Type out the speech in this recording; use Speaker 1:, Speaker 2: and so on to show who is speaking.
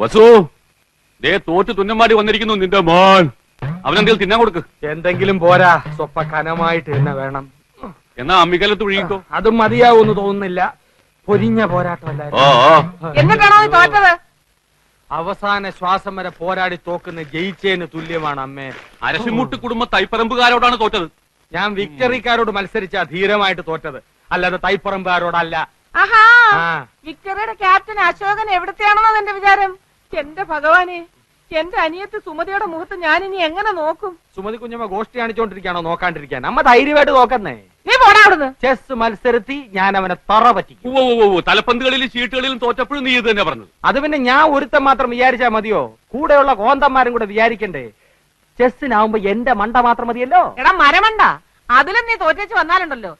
Speaker 1: വസു ദേ തോറ്റ് തുന്നമാടി വന്നിരിക്കുന്നു നിന്റെ മോൻ. അവനെന്തെങ്കിലും തിന്നാൻ കൊടുക്ക്.
Speaker 2: എന്തെങ്കിലും പോരാ, സ്വപ്പ കനമായിട്ട് തന്നെ വേണം.
Speaker 1: എന്നാ അമ്മിക്കലത്ത് ഒഴുകിക്കോ.
Speaker 2: അതും മതിയാവൂന്ന് തോന്നുന്നില്ല. പൊരിഞ്ഞ പോരാട്ടമല്ലായിരുന്നു.
Speaker 3: എന്നിട്ടാണോ നീ തോറ്റത്?
Speaker 2: അവസാന ശ്വാസം വരെ പോരാടി തോക്കുന്ന ജയിച്ചേന് തുല്യമാണ് അമ്മേ.
Speaker 1: അരശിമുട്ട് കുടുംബ തൈപ്പറമ്പുകാരോടാണ് തോറ്റത്.
Speaker 2: ഞാൻ വിക്ടറിക്കാരോട് മത്സരിച്ചാ ധീരമായിട്ട് തോറ്റത്, അല്ലാതെ തൈപ്പറമ്പുകാരോടല്ല.
Speaker 3: ആഹാ,
Speaker 2: ആ.
Speaker 3: വിക്ടറിയുടെ ക്യാപ്റ്റൻ അശോകൻ എവിടത്തെയാണെന്നോ എന്റെ വിചാരം. എന്റെ ഭഗവാനെ, എന്റെ അനിയത്ത് സുമതിയുടെ മുഖത്ത് ഞാൻ ഇനി എങ്ങനെ നോക്കും?
Speaker 2: സുമതി കുഞ്ഞമ്മ ഗോഷ്ടി കാണിച്ചോണ്ടിരിക്കാണോ നോക്കാണ്ടിരിക്കാൻ? അമ്മ ധൈര്യമായിട്ട് നോക്കുന്നേ.
Speaker 3: നീ പോടാ അവിടുന്ന്.
Speaker 2: ചെസ് മത്സരത്തി ഞാൻ അവനെ തറ പറ്റിക്കും.
Speaker 1: തലപ്പന്തുകളിലും ചീട്ടുകളിലും തോറ്റപ്പോഴും നീ ഇത് തന്നെ പറഞ്ഞത്.
Speaker 2: അത് പിന്നെ ഞാൻ ഒരുത്തൻ മാത്രം വിചാരിച്ചാ മതിയോ? കൂടെയുള്ള കോന്തന്മാരും കൂടെ വിചാരിക്കണ്ടേ? ചെസ്സിനാവുമ്പോ എന്റെ മണ്ട മാത്രം മതിയല്ലോ.
Speaker 3: എടാ മരമണ്ട, അതിലും നീ തോറ്റേച്ച് വന്നാലുണ്ടല്ലോ